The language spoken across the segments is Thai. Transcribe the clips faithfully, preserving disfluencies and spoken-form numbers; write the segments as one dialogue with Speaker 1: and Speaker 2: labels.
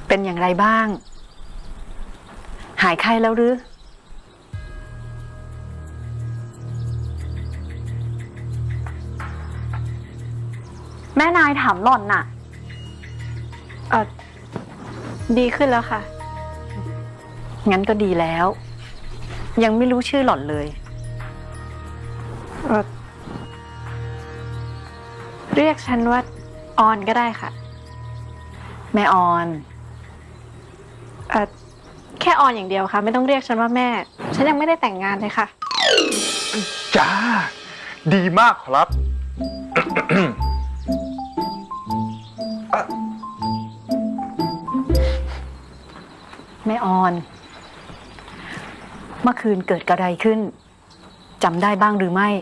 Speaker 1: เป็นอย่างไรบ้างหายไข้แล้วหรือ
Speaker 2: แม่นายถามหล่อนน่ะเออดีขึ้นแล้วค่ะ
Speaker 1: งั้นก็ดีแล้วยังไม่รู้ชื่อหล่อนเลย
Speaker 2: เออเรียกฉันว่าออนก็ได้ค่ะ
Speaker 1: แม่ออน
Speaker 2: เออแค่ออนอย่างเดียวค่ะไม่ต้องเรียกฉันว่าแม่ฉันยังไม่ได้แต่งงานเลยค่ะ
Speaker 3: จ้าดีมากครับ
Speaker 1: แม่ออนเมื่อคืนเกิดกระไรขึ้นจำได้บ้างหรือไม่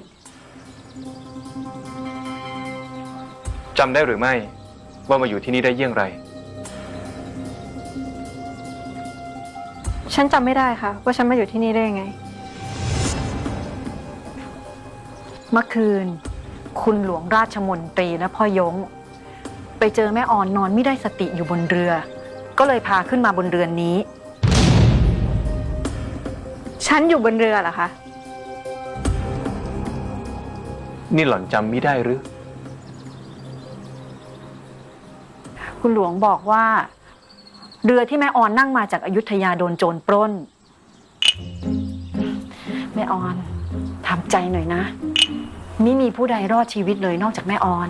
Speaker 3: จำได้หรือไม่ว่ามาอยู่ที่นี่ได้เยี่ยงไร
Speaker 2: ฉันจำไม่ได้ค่ะว่าฉันมาอยู่ที่นี่ได้ยังไง
Speaker 1: เมื่อคืนคุณหลวงราชมนตรีและพ่อยงไปเจอแม่ออนนอนไม่ได้สติอยู่บนเรือก็เลยพาขึ้นมาบนเรือนนี้
Speaker 2: ฉันอยู่บนเรือเหรอคะ
Speaker 3: นี่หล่อนจำไม่ได้หรือ
Speaker 1: คุณหลวงบอกว่าเรือที่แม่ออนนั่งมาจากอยุธยาโดนโจรปล้นแม่ออนทำใจหน่อยนะไม่มีผู้ใดรอดชีวิตเลยนอกจากแม่ออน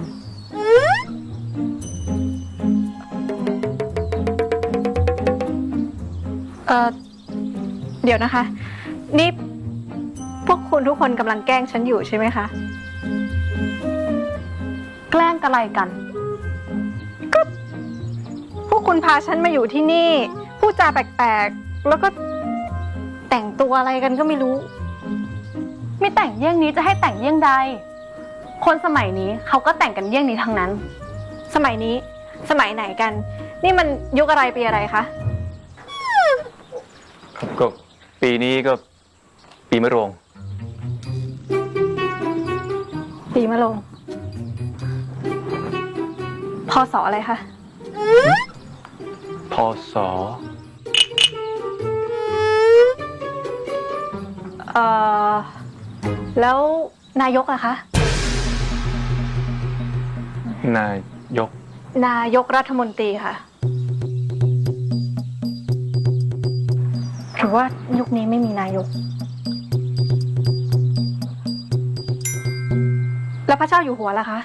Speaker 2: เออเดี๋ยวนะคะนี่พวกคุณทุกคนกำลังแกล้งฉันอยู่ใช่ไหมคะแกล้งอะไรกันก็พวกคุณพาฉันมาอยู่ที่นี่พูดจาแปลกๆแล้วก็แต่งตัวอะไรกันก็ไม่รู้ไม่แต่งเยี่ยงนี้จะให้แต่งเยี่ยงใดคนสมัยนี้เขาก็แต่งกันเยี่ยงนี้ทั้งนั้นสมัยนี้สมัยไหนกันนี่มันยุคอะไรปีอะไรคะ
Speaker 3: ก็ปีนี้ก็ปีมะโรง
Speaker 2: ปีมะโรงพศอะไรคะ
Speaker 3: พศ
Speaker 2: เอ่อแล้วนายกอะคะ
Speaker 3: นายก
Speaker 2: นายกรัฐมนตรีค่ะหรือว่ายุคนี้ไม่มีนายกแล้วพระเจ้าอยู่หัวล่ะคะ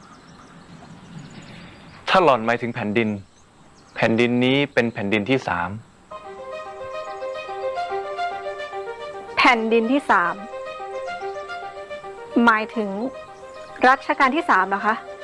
Speaker 3: ถ้าหล่อนหมายถึงแผ่นดินแผ่นดินนี้เป็นแผ่นดินที่สาม
Speaker 2: แผ่นดินที่สามหมายถึงรัชกาลที่สามเหรอคะ